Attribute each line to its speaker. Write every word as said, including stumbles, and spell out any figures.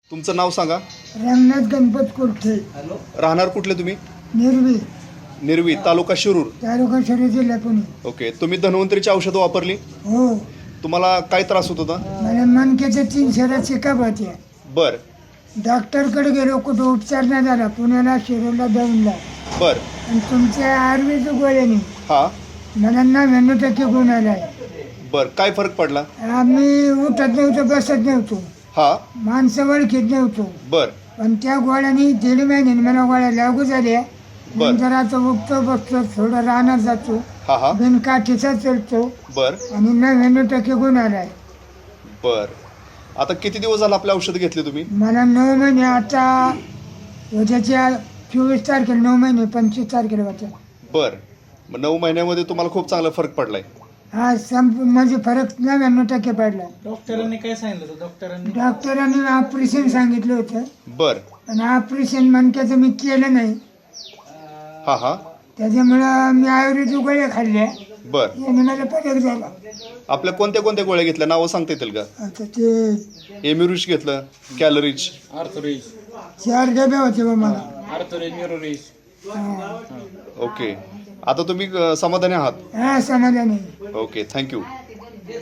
Speaker 1: तुमचं नाव सांगा.
Speaker 2: रंगनाथ गणपत कुर्थे,
Speaker 1: राहणार कुठले तुम्ही?
Speaker 2: निर्वी,
Speaker 1: निर्वी, तालुका शिरूर.
Speaker 2: तालुका शिरूर, जिल्हा पुणे.
Speaker 1: ओके. तुम्ही धन्वंतरीची औषधं वापरली?
Speaker 2: हो,
Speaker 1: तुम्हाला काय त्रास होत होता?
Speaker 2: मला मनक्याच्या तीन शहरात चिकाप होत्या.
Speaker 1: बर
Speaker 2: डॉक्टरकडे गेलो, कुठं उपचार नाही झाला. पुण्याला, शिरूरला दौंडला.
Speaker 1: बर
Speaker 2: आणि तुमच्या आयुर्वेदिक गोळ्याने
Speaker 1: हा
Speaker 2: मला नव्याण्णव टक्के गुण आलाय.
Speaker 1: बर काय फरक पडला?
Speaker 2: आम्ही उठत नव्हतो, बसत नव्हतो,
Speaker 1: हा
Speaker 2: माणसं ओळखीत नव्हतो.
Speaker 1: बर
Speaker 2: पण त्या गोळ्याने दीड महिन्याने मला गोळ्या लागू झाल्या.
Speaker 1: बर.
Speaker 2: नंतर आता उठतो, बसतो, थोडं राहणार जातो,
Speaker 1: हा हा
Speaker 2: बिनकाठीचा चलतो
Speaker 1: बर
Speaker 2: आणि नव्याण्णव टक्के गुण आलाय.
Speaker 1: बर आता किती दिवस झाला आपले औषध घेतले तुम्ही?
Speaker 2: मला नऊ महिने, आता उद्याच्या चोवीस तारखेला नऊ महिने, पंचवीस तारखेला होत्या.
Speaker 1: बर मग नऊ महिन्यामध्ये तुम्हाला खूप चांगला फरक पडलाय.
Speaker 2: हा संप म्हणजे फरक नव्याण्णव टक्के पडला.
Speaker 3: डॉक्टरांनी काय सांगितलं होतं? डॉक्टरांनी
Speaker 2: डॉक्टरांनी ऑपरेशन सांगितलं होतं,
Speaker 1: बर
Speaker 2: पण ऑपरेशन मणक्याचं मी केलं नाही.
Speaker 1: हा हा
Speaker 2: त्याच्यामुळं मी आयुर्वेदिक गोळ्या खाल्ल्या,
Speaker 1: बर
Speaker 2: याने मला फरक झाला.
Speaker 1: आपल्या कोणत्या कोणत्या गोळ्या घेतल्या नावं सांगता येतील का?
Speaker 2: आता ते
Speaker 1: एम्युरिच घेतलं, कॅलरीज.
Speaker 3: आर्थोरिज
Speaker 2: चार डबे होते बा मला.
Speaker 3: आर्थोरिज न्यूरोरिज.
Speaker 2: हा.
Speaker 1: ओके. आता तुम्ही अ, समाधानी आहात?
Speaker 2: हा, समाधानी.
Speaker 1: Okay, thank you.